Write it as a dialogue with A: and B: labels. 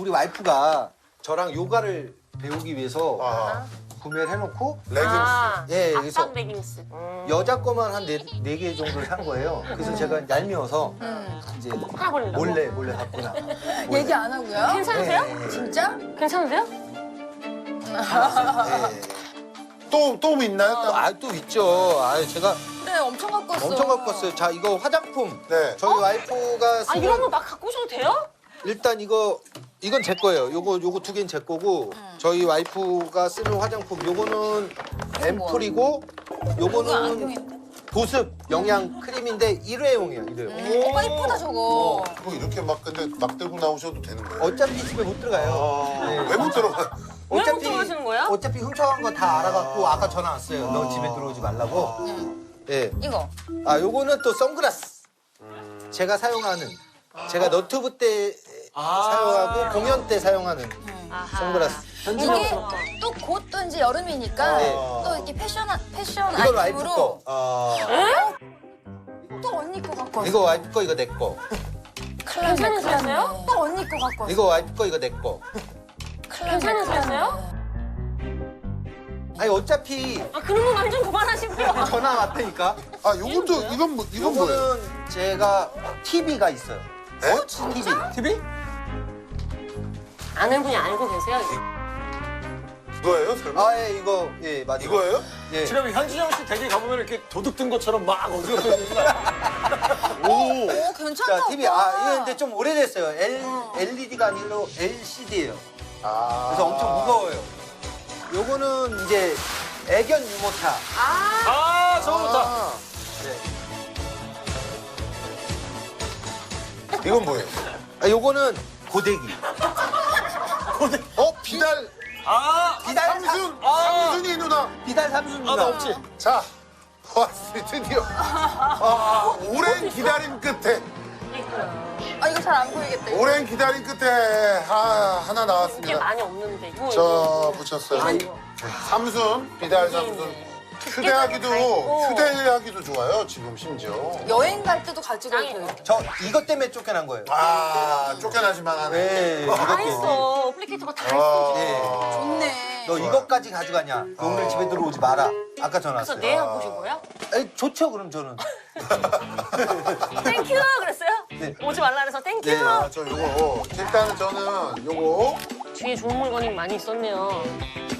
A: 우리 와이프가 저랑 요가를 배우기 위해서
B: 아,
A: 구매를 해놓고
B: 레깅스.
A: 예, 그래서
C: 압박 레깅스.
A: 여자 거만 한 네 개 정도를 산 거예요. 그래서 제가 얄미워서 이제
C: 하나 버린다고?
A: 몰래 갖고 나.
D: 얘기 안 하고요?
C: 괜찮으세요?
A: 네.
D: 진짜?
C: 괜찮으세요?
A: 네.
B: 또 있나요?
A: 또 있죠. 제가
D: 그래 엄청 갖고 왔어.
A: 엄청 갖고 왔어요. 자, 이거 화장품.
B: 네.
A: 저희 와이프가
C: 아
A: 쓰는
C: 이런 거 막 갖고 오셔도 돼요?
A: 일단 이건 제 거예요. 요거 두 개는 제 거고 저희 와이프가 쓰는 화장품 요거는 앰플이고
D: 이거
A: 요거는
D: 안경인데?
A: 보습 영양 크림인데 일회용이에요. 일회용.
D: 오빠 이쁘다 저거.
B: 그거 이렇게 막 근데 막 들고 나오셔도 되는 거예요?
A: 어차피 집에 못 들어가요. 네.
B: 왜 못 들어가?
C: 왜 못 들어가시는 거야?
A: 어차피 훔쳐간 거 다 알아갖고 아까 전화 왔어요. 너 집에 들어오지 말라고. 예.
D: 이거.
A: 요거는 또 선글라스. 제가 사용하는 제가 너튜브 때 사용하고 공연 때 사용하는
C: 아하.
A: 선글라스.
D: 이게 또 곧 또 이제 여름이니까
A: 네.
D: 또 이렇게 패션
A: 이건 와이프
D: 아이템으로
A: 거.
D: 또 언니 거 갖고 왔어.
A: 이거 와이프 거, 이거 내 거.
C: 괜찮으세요?
D: 또 언니 거 갖고 왔어.
A: 이거 와이프 거, 이거 내 거.
C: 괜찮으세요?
A: 아니 어차피
C: 아 그런 거 완전 그만하시고요.
A: 전화 왔다니까.
B: 아, 요것도 이건 뭐예요?
A: 요거는 제가 TV가 있어요.
B: 에?
A: TV. TV?
C: 아는 분이 알고 계세요?
B: 이거예요, 설마?
A: 예, 이거 예, 맞아요.
B: 이거예요?
A: 예.
E: 지금 현진영 씨 댁에 가보면 이렇게 도둑 든 것처럼 막 어디가 있는 거야.
D: 오 괜찮다.
A: 자, TV.
D: 오빠.
A: 이거 근데 좀 오래됐어요. LED가 아니라 LCD예요. 그래서 엄청 무거워요. 요거는 이제 애견 유모차.
E: 아, 저거 좋다.
A: 네.
B: 이건 뭐예요?
A: 요거는 고데기.
B: 비달.
A: 비달
B: 삼순이 누나.
A: 비달 삼순 누나.
E: 나 없지.
B: 자, 왔어요, 드디어. 오랜 기다림 끝에.
D: 아 이거 잘 안 보이겠다. 이거.
B: 오랜 기다림 끝에 하나
C: 이게
B: 나왔습니다.
C: 많이 없는데. 이거
B: 저 붙였어요.
C: 아이고.
B: 삼순, 비달 삼순. 휴대하기도 좋아요, 지금 심지어.
D: 여행 갈 때도 가지고
C: 짱이네.
D: 있고.
A: 저 이것 때문에 쫓겨난 거예요.
B: 쫓겨나지만 하네.
A: 네,
C: 다
A: 이것 때문에.
C: 했어. 플리케이터가 다 했어.
A: 예.
D: 좋네.
A: 너 이것까지 가져가냐? 너 오늘 집에 들어오지 마라. 아까 전화
C: 그래서
A: 왔어요.
C: 네 하고 보신 거예요?
A: 좋죠, 그럼 저는.
C: 땡큐 그랬어요?
A: 네.
C: 오지 말라 그래서 땡큐.
A: 네.
B: 저 요거. 일단은 저는 요거.
C: 뒤에 좋은 물건이 많이 있었네요.